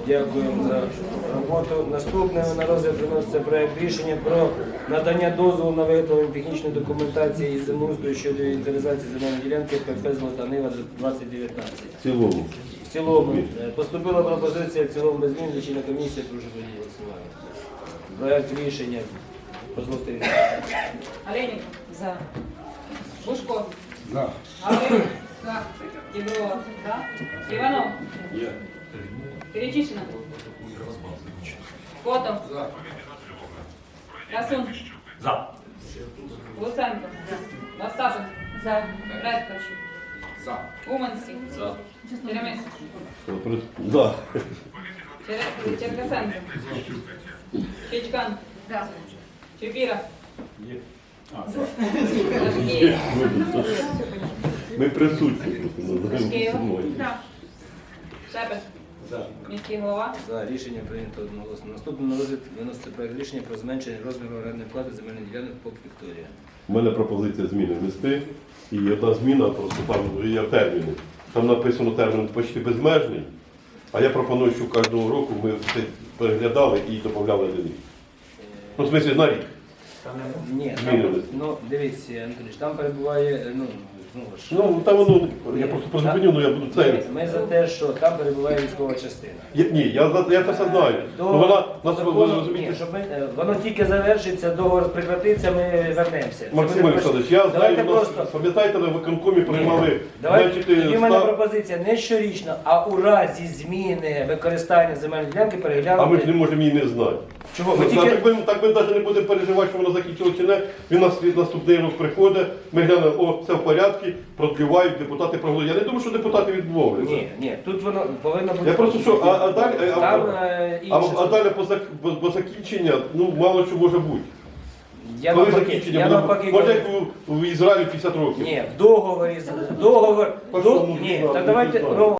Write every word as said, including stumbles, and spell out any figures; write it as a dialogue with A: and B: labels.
A: Дякуємо за роботу. Наступне на розгляд виноситься проект рішення про надання дозволу на виготовлення технічної документації із землеустрою щодо інвентаризації земельної ділянки ПФ «Золота Нива» двадцять дев'ятнадцять.
B: В цілому.
A: В цілому е, поступила пропозиція в цілому без змін, лічильна комісія, прошу події голосування. Проект рішення по Золотій.
C: Оленик. За. Бушко.
D: За.
C: Гаврилов. За. Кедрова. За. Иванов.
D: Є.
C: Перечислено. Котов.
D: За.
C: Красун.
D: За.
C: Луценко. За. Остапин. За. Редкович.
D: За.
C: Уманський.
D: За.
C: Черемис.
B: Да.
C: Чер- Черкасенко. Чичкан. За. Чепіра. Рашкеєв.
B: Ми присутні просто.
C: Шкієва.
B: За.
C: Шепет.
D: За.
C: Міський голова.
A: За рішення прийнято одноголосно. Наступне на розгляд виноситься проект рішення про зменшення розміру орендної плати земельних ділянок ПОК «Вікторія».
B: У мене пропозиція зміни внести. І одна зміна, просто там є терміни. Там написано термін почти безмежний, а я пропоную, щоб кожного року ми все переглядали і додавали один рік. Ну, в смислі, на рік.
A: Ні,
B: Змінили.
A: там, ну дивіться, Анатолійович, там перебуває, ну, знову ж.
B: Ну, там воно, я просто призупиню, ну я буду це.
A: Ми, ми за те, що там перебуває військова частина.
B: Я, ні, я, за- я це все знаю.
A: До
B: Ну, вона, нас, ви
A: закону-
B: розумієте,
A: ні, щоб ми, е, воно тільки завершиться, договор прекратиться, ми вернемося. Це
B: Максим
A: буде
B: Олександрович, я
A: Давайте
B: знаю, у нас,
A: просто.
B: пам'ятаєте, на виконкомі приймали
A: Давайте,
B: значити,
A: тоді в мене
B: став-
A: пропозиція не щорічно, а у разі зміни використання земельної ділянки
B: а
A: переглянути.
B: ми ж не можемо її не знати.
A: Чого? Ми
B: Ну,
A: тільки...
B: так, ми, так ми навіть не будемо переживати, що воно закінчило чи не. Він нас від наступний рік приходить, ми глянемо, о, все в порядку, продлівають, депутати проголосують. Я не думаю, що депутати відмовляться.
A: Ні, ні, тут воно повинно бути.
B: Я просто що, а, а далі, а,
A: Там
B: а,
A: е,
B: а,
A: інше.
B: а далі по, зак- по, по закінчення, ну, мало що може бути.
A: Я
B: Коли
A: навпаки,
B: закінчення
A: я
B: буде,
A: навпаки
B: може
A: кажу.
B: як у, у Ізраїлі п'ятдесят років.
A: Ні, в договорі, з- договор,
B: По
A: до-
B: чому?
A: ні,
B: Ну,
A: так
B: не
A: давайте,
B: знаю.
A: ну,